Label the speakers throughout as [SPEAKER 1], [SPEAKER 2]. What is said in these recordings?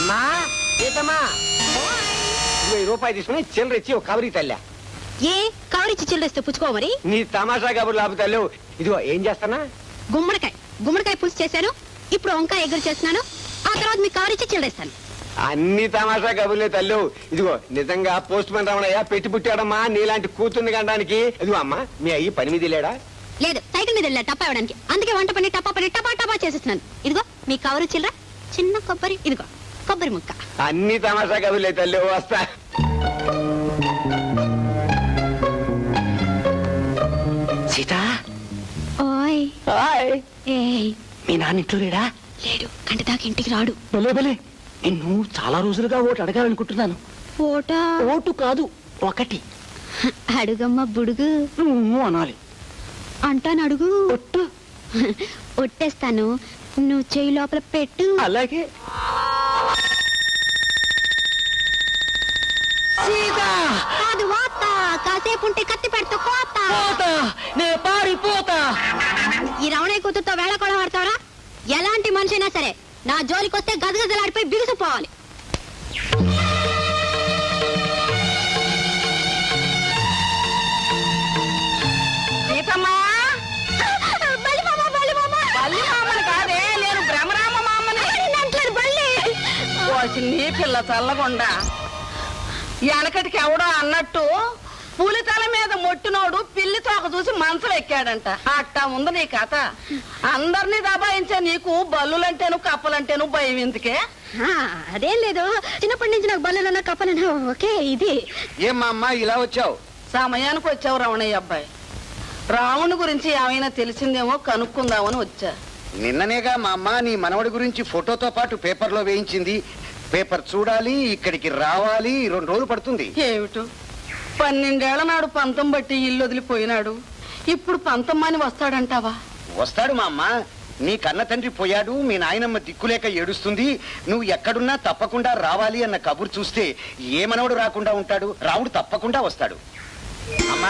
[SPEAKER 1] అమ్మా సీతమ్మా రూపాయి తీసుకుని చిల్లర ఇచ్చి ఒక కవరి తల్లా.
[SPEAKER 2] ఏ కవరిచ్చి చిల్లరిస్తే పుచ్చుకో మరి.
[SPEAKER 1] నీ తమాషా కబుర్లు ఆపుతాలు. ఇదిగో ఏం చేస్తానా,
[SPEAKER 2] గుమ్మడికాయ పులుసు చేశాను, ఇప్పుడు వంకాయ ఎగురు చేస్తున్నాను, ఆ తర్వాత మీకు కవరిచ్చి చిల్లరేస్తాను.
[SPEAKER 1] అన్ని తమాషా కబుర్లే తల్లు. ఇదిగో నిజంగా పోస్ట్ మ్యాన్ రమణయ్య పెట్టి పుట్టాడమ్మా నీలాంటి కూతుర్ని కనడానికి. ఇదిగో అమ్మా మీ అయ్యి పని మీద లేడా?
[SPEAKER 2] లేదు, సైకిల్ మీద వెళ్ళా టప్పా ఇవ్వడానికి. అందుకే వంట పని టపా టపా చేసేస్తున్నాను. ఇదిగో మీ కవరు చిల్లర, చిన్న కొబ్బరి, ఇదిగో కొబ్బరి ముక్క.
[SPEAKER 1] అన్ని తమాషా కబుర్లే తల్లు. వస్తా. సీత
[SPEAKER 2] ఓయ్ ఏయ్,
[SPEAKER 1] మీ నాన్న ఇంట్లో లేడా?
[SPEAKER 2] లేడు, గంట దాకా ఇంటికి రాడు.
[SPEAKER 1] భలే నిన్ను చాలా రోజులుగా ఓటు అడగాలనుకుంటున్నాను. ఓటు కాదు, ఒకటి
[SPEAKER 2] అడుగమ్మ బుడుగు.
[SPEAKER 1] నువ్వు అనాలి.
[SPEAKER 2] అంటాను, అడుగు.
[SPEAKER 1] ఒట్టు.
[SPEAKER 2] ఒట్టేస్తాను, నువ్వు చెయ్యి లోపల పెట్టు.
[SPEAKER 1] అలాగే.
[SPEAKER 2] కాదు వాత, కాసేపు ఉంటే కత్తి పెడతా కోత.
[SPEAKER 1] నే పారిపోతా.
[SPEAKER 2] ఈ రమణయ్య కూతురుతో వేళ కూడా పడతావరా? ఎలాంటి మనిషైనా సరే నా జోలికి వస్తే గదగదలాడిపోయి బిగుసిపోవాలి.
[SPEAKER 3] నీ పిల్ల చల్లకుండా వెనకటికి ఎవడో అన్నట్టు పులితల మీద మొట్టినోడు పిల్లి తోక చూసి మంచం ఎక్కాడంట. అట్టా ఉంది నీ కథ. అందరినీ దబాయించే నీకు బల్లులంటేను కప్పలంటేను భయం ఎందుకే?
[SPEAKER 2] అదేం లేదు, చిన్నప్పటి నుంచి నాకు బల్లెలన్నా కప్పలన్నా ఓకే. ఇది
[SPEAKER 1] ఏమ్మా అమ్మా ఇలా వచ్చావు?
[SPEAKER 3] సమయానికి వచ్చావు రమణయ్య అబ్బాయి. రావణుడి గురించి ఏమైనా తెలిసిందేమో కనుక్కుందామని వచ్చా.
[SPEAKER 4] నిన్ననేగా మా అమ్మ నీ మనవడి గురించి ఫోటోతో పాటు పేపర్లో వేయించింది. పేపర్ చూడాలి, ఇక్కడికి రావాలి, 2 రోజులు పడుతుంది.
[SPEAKER 3] ఏమిటో 12 ఏళ్ల నాడు పంతం బట్టి ఇల్లు వదిలిపోయినాడు. ఇప్పుడు పంతమ్మని వస్తాడంటావా?
[SPEAKER 4] వస్తాడు మా అమ్మ. నీ కన్న తండ్రి పోయాడు, మీ నాయనమ్మ దిక్కులేక ఏడుస్తుంది, నువ్వు ఎక్కడున్నా తప్పకుండా రావాలి అన్న కబురు చూస్తే ఏ మనవడు రాకుండా ఉంటాడు? రావుడు తప్పకుండా వస్తాడు. అమ్మా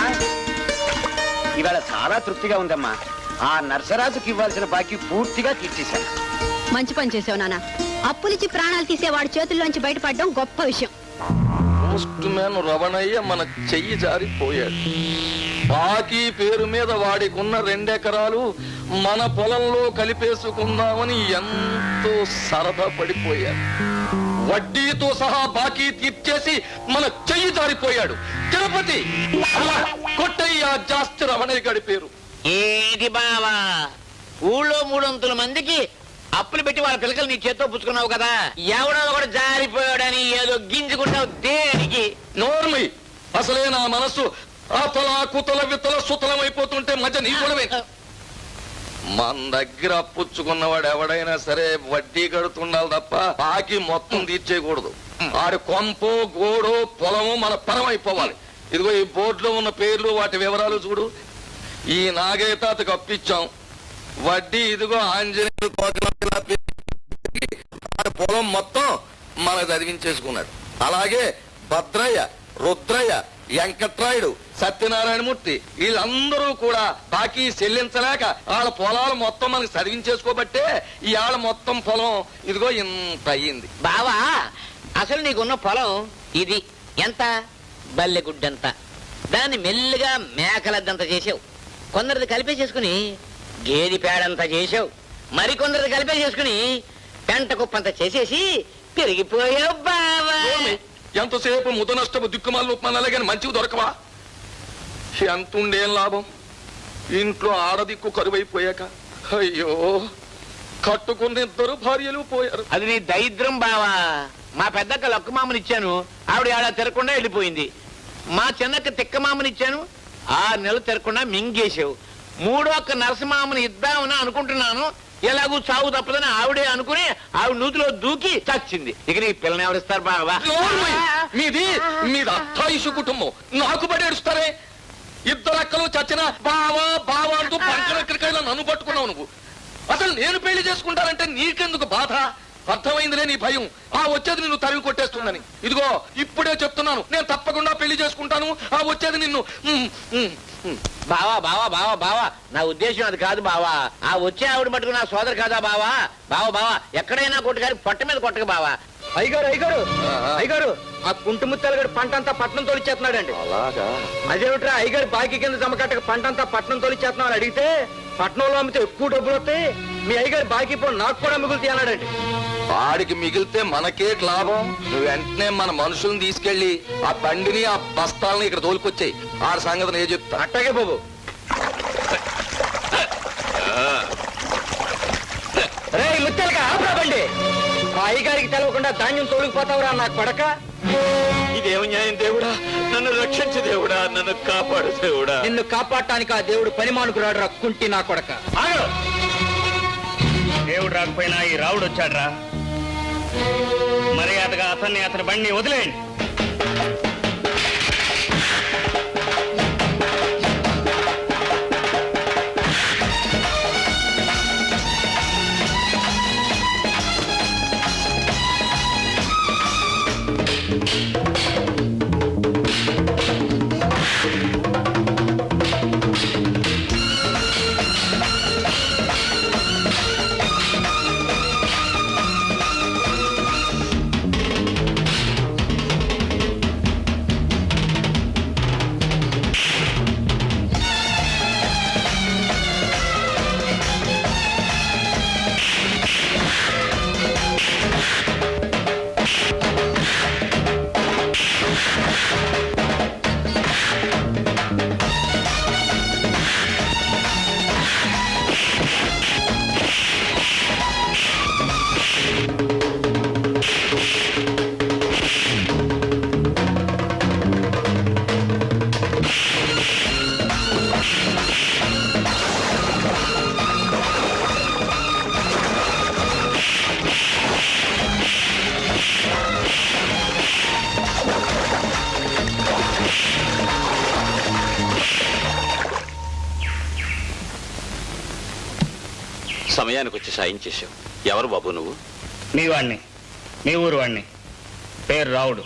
[SPEAKER 4] ఇవాళ చాలా తృప్తిగా ఉందమ్మా. ఆ నర్సరాజుకి ఇవ్వాల్సిన బాకీ పూర్తిగా తీర్చేశాను.
[SPEAKER 2] మంచి పని చేసావు నాన్న. అప్పులిచ్చి ప్రాణాలు తీసేవాడి చేతుల్లోంచి బయటపడడం గొప్ప విషయం.
[SPEAKER 5] పోస్ట్ మ్యాన్ రమణయ్య మన చెయ్యి జారిపోయాడు. బాకీ పేరు మీద వాడికున్న 2 ఎకరాలు మన పొలంలో కలిపేసుకుందామని ఎంతో సరదా పడిపోయాడు. వడ్డీతో సహా బాకీ తీర్చేసి మన చెయ్యి జారిపోయాడు. తిరుపతి కొట్టయ్య జాస్తి రమణయ్య గడి పేరు.
[SPEAKER 6] ఏది బావా, ఊళ్ళో 300 మందికి అప్పులు పెట్టి వాళ్ళ పిల్లకలు నీ చేత్తో పుచ్చుకున్నావు కదా, ఎవడో ఒకటి జారిపోయాడని ఏదో గింజుకుంటావు దేనికి?
[SPEAKER 5] నోర్మి, అసలే నా మనస్సు అతల కుతల విత్తల సుతలం అయిపోతుంటే మధ్య నీ కూడా మన దగ్గర అప్పుచ్చుకున్నవాడు ఎవడైనా సరే వడ్డీ కడుతుండాలి తప్ప బాకీ మొత్తం తీర్చేయకూడదు. ఆడి కొంపో గోడో పొలము మన పరం అయిపోవాలి. ఇదిగో ఈ బోర్డులో ఉన్న పేర్లు వాటి వివరాలు చూడు. ఈ నాగయ్య తాతకు అప్పిచ్చాం, వడ్డీ ఇదిగో ఆంజనేయుడు పొలం మొత్తం మన చదివించేసుకున్నాడు. అలాగే భద్రయ్య, రుద్రయ్య, వెంకట్రాయుడు, సత్యనారాయణమూర్తి వీళ్ళందరూ కూడా బాకీ చెల్లించలేక వాళ్ళ పొలాలు మొత్తం మనకి చదివించేసుకోబట్టే ఇవాళ మొత్తం పొలం ఇదిగో ఇంత అయ్యింది.
[SPEAKER 6] బావా అసలు నీకున్న పొలం ఇది ఎంత? బల్లెగుడ్డంత. దాన్ని మెల్లిగా మేకలద్దంత చేసావు. కొందరిది కలిపేసేసుకుని గేది పేడంతా చేసావు. మరికొందరిది కలిపేసేసుకుని పెంట కుప్పంత చేసేసి పెరిగిపోయావు బావా.
[SPEAKER 5] ఎంతసేపు ముద నష్టపు దిక్కుమాలు ఉప్మానాలని మంచివి దొరకవా? ఎంతుండేం లాభం? ఇంట్లో ఆడదిక్కు కరువైపోయాక అయ్యో కట్టుకున్న 2 భార్యలు పోయారు.
[SPEAKER 6] అది నీ దరిద్రం బావా. మా పెద్దక్క లక్కుమామని ఇచ్చాను, ఆవిడ ఆడ తిరగకుండా వెళ్ళిపోయింది. మా చిన్నక్క తిక్కమామని ఇచ్చాను, 6 నెలలు తిరగకుండా మింగేసావు. 3వ అక్క నరసింహమామని ఇద్దామని అనుకుంటున్నాను, ఎలాగూ చావు తప్పదని ఆవిడే అనుకుని ఆవిడ నూతిలో దూకి చచ్చింది. ఇక నీ పిల్లని ఎవరిస్తారు బావా?
[SPEAKER 5] మీది అత్తాయిషు కుటుంబం, నాకు పడి ఏడుస్తారే. 2 అక్కలు చచ్చినా బావా బావా అంటూ పంకరెక్కడికైనా నన్ను పట్టుకున్నావు నువ్వు. అసలు నేను పెళ్లి చేసుకుంటానంటే నీకెందుకు బాధ? అర్థమైందిలే నీ భయం. ఆ వచ్చేది నిన్ను తరివి కొట్టేస్తుందని. ఇదిగో ఇప్పుడే చెప్తున్నాను, నేను తప్పకుండా పెళ్లి చేసుకుంటాను. ఆ వచ్చేది నిన్ను.
[SPEAKER 6] బావా బావా బావా బావా, నా ఉద్దేశం అది కాదు బావా. ఆ వచ్చే ఆవిడ మటుకు నా సోదరు కాదా బావా? బావా బావా, ఎక్కడైనా కొట్టుకారి పొట్ట మీద కొట్టక బావా.
[SPEAKER 1] అయ్యగారు అయ్యగారు
[SPEAKER 5] ఆహా.
[SPEAKER 1] అయ్యగారు ఆ కుంటు ముత్తాలగాడు పంట అంతా పట్నం తోలిచ్చేస్తున్నాడండి.
[SPEAKER 5] అలాగా
[SPEAKER 1] అదేమిట్రా అయ్యగారు బాకీ కింద జమ కట్టక పంట అంతా పట్నం తోలిచ్చేస్తున్నావు అని అడిగితే పట్నంలో అమ్మితే ఎక్కువ డబ్బులు వస్తాయి, మీ అయ్యగారు బాకీ పో నాకు కూడా మిగులుతాయి అన్నాడండి.
[SPEAKER 5] వాడికి మిగిలితే మనకే లాభం. నువ్వు వెంటనే మన మనుషుల్ని తీసుకెళ్లి ఆ బండిని ఆ బస్తాలని ఇక్కడ తోలుకొచ్చాయి. ఆ సంగతి నేను చెప్తా.
[SPEAKER 1] అట్టాగే బాబు. రే ముత్యాలగా ఆపరా బండి. మా అయ్యగారికి తెలవకుండా ధాన్యం తోలుకుపోతావురా నా కొడక.
[SPEAKER 6] ఇదేం న్యాయం దేవుడా, నన్ను రక్షించు దేవుడా, నన్ను కాపాడు దేవుడా.
[SPEAKER 1] నిన్ను కాపాడటానికి ఆ దేవుడు పని మానుకురాడు రా కుంటి నా కొడక.
[SPEAKER 7] దేవుడు రాకపోయినా ఈ రావుడు వచ్చాడ్రా. మర్యాదగా అతని బండిని వదిలేయండి.
[SPEAKER 6] సమయానికి వచ్చి సాయం చేశావు. ఎవరు బాబు నువ్వు?
[SPEAKER 7] మీ వాణ్ణి, మీ ఊరు వాణ్ణి. పేరు రావుడు.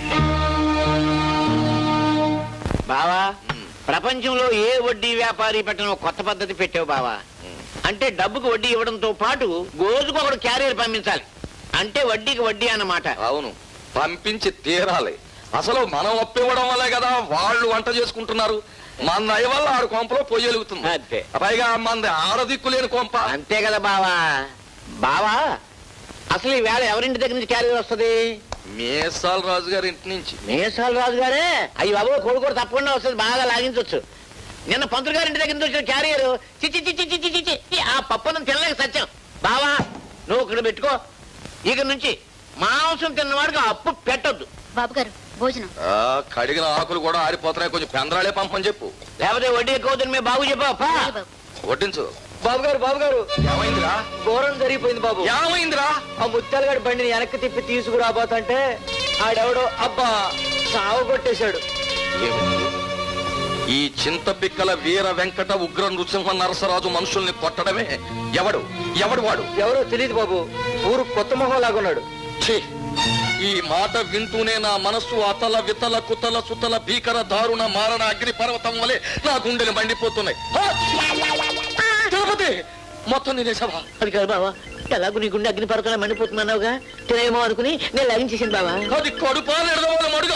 [SPEAKER 6] బావా, ప్రపంచంలో ఏ వడ్డీ వ్యాపారి పెట్టిన కొత్త పద్ధతి పెట్టావు బావా. అంటే డబ్బుకు వడ్డీ ఇవ్వడంతో పాటు రోజుకొకడు క్యారియర్ పంపించాలి. అంటే వడ్డీకి వడ్డీ అన్నమాట.
[SPEAKER 5] అవును, పంపించి తీరాలి. అసలు మనం ఒప్పివ్వడం వల్లే కదా వాళ్ళు వంట చేసుకుంటున్నారు. మన దయ వల్ల ఆడు కొంపలో పొయ్యలుగుతుంది.
[SPEAKER 6] అంతే.
[SPEAKER 5] పైగా మంది ఆడదిక్కు లేని కొంప.
[SPEAKER 6] అంతే కదా బావా. బావా, అసలు ఈ వేళ ఎవరింటి దగ్గర నుంచి క్యారియర్ వస్తుంది?
[SPEAKER 5] మేసాల రాజు గారి ఇంటి నుంచి.
[SPEAKER 6] మేసాల రాజు గారే? అయ్యి బాబు, కొడుకు కూడా తప్పకుండా వస్తుంది, బాగా లాగించవచ్చు. నిన్న పంతులు గారి ఇంటి దగ్గర నుంచి వచ్చిన క్యారియర్ చిచ్చి చిచ్చి చిచ్చి చిచ్చి ఆ పప్పును తినలేక సత్యం. బావా, నువ్వు ఇక్కడ పెట్టుకో. ఇక నుంచి మాంసం తిన్నవాడికి అప్పు పెట్టొద్దు.
[SPEAKER 2] బాబు గారు భోజనం.
[SPEAKER 5] కడిగిన ఆకులు కూడా ఆరిపోతున్నాయి, కొంచెం పెందరాలే పంపని చెప్పు.
[SPEAKER 6] లేకపోతే వడ్డీ ఎక్కువ అవుతుంది. మీ బాబు చెప్పా.
[SPEAKER 2] అలాగే బాబు.
[SPEAKER 5] వడ్డించు.
[SPEAKER 1] బాబు గారు
[SPEAKER 5] ఏమైందిరా?
[SPEAKER 1] ఘోరం జరిగిపోయింది బాబు.
[SPEAKER 5] ఏమైందిరా?
[SPEAKER 1] ఆ ముత్యాలగాడి బండిని వెనక్కి తిప్పి తీసుకురాబోతంటే ఆడెవడో అబ్బా సాగు కొట్టేశాడు.
[SPEAKER 5] ఏమిటి? ఈ చింత పిక్కల వీర వెంకట ఉగ్ర నృసింహ నరసరాజు మనుషుల్ని కొట్టడమే. ఎవడు వాడు?
[SPEAKER 1] ఎవరో తెలియదు బాబు. ఊరు కొత్త మొహం లాగున్నాడు.
[SPEAKER 5] ఛీ! ఈ మాట వింటూనే నా మనస్సు అతల వితల కుతల సుతల భీకర దారుణ మారణ అగ్ని పర్వతం వలె నా గుండెలు మండిపోతున్నాయి. తిరుపతి మొత్తం నేనేసావా?
[SPEAKER 6] అది కాదు బావా, ఎలాగో నీ గుండె అగ్ని పరకలా మండిపోతున్నావుగా, తినేమో అనుకుని నేను లాగించేసాను బావా.
[SPEAKER 5] అది కడుపాలు మడుగా.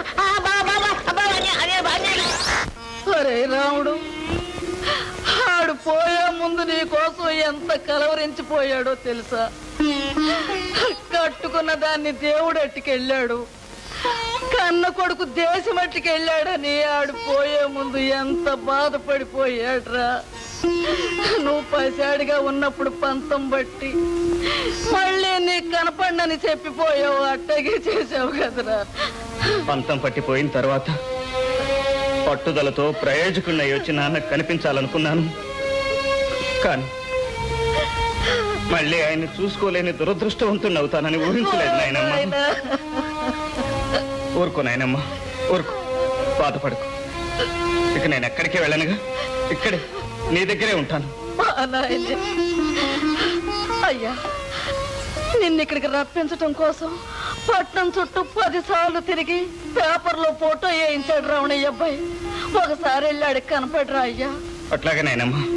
[SPEAKER 3] ఒరే రాముడు, ఆడు పోయే ముందు నీ కోసం ఎంత కలవరించిపోయాడో తెలుసా? కట్టుకున్న దాన్ని దేవుడు అట్టుకెళ్ళాడు, కన్న కొడుకు దేశం అట్టుకెళ్ళాడని ఆడు పోయే ముందు ఎంత బాధపడిపోయాడ్రా. నువ్వు పసివాడిగా ఉన్నప్పుడు పంతం బట్టి మళ్ళీ నీకు కనపడనని చెప్పిపోయావు, అట్టగే చేసావు కదరా.
[SPEAKER 7] పంతం పట్టిపోయిన తర్వాత పట్టుదలతో ప్రయోజకుడినై వచ్చి నాన్నకు కనిపించాలనుకున్నాను. కానీ మళ్ళీ ఆయన్ని చూసుకోలేని దురదృష్టవంతుని అవుతానని ఊహించలేదు నాయనమ్మ. ఊరుకో నాయనమ్మ, ఊరుకో, బాధపడుకో. ఇక నేను ఎక్కడికి వెళ్ళనుగా, ఇక్కడే నీ దగ్గరే ఉంటాను.
[SPEAKER 3] అయ్యా, నిన్ను ఇక్కడికి రప్పించటం కోసం పట్నం చుట్టూ 10 సార్లు తిరిగి పేపర్లో ఫోటో వేయించాడు రావణయ్య అబ్బాయి. ఒకసారి వెళ్ళాడు, కనపడరా అయ్యా?
[SPEAKER 7] అట్లాగే నాయనమ్మ.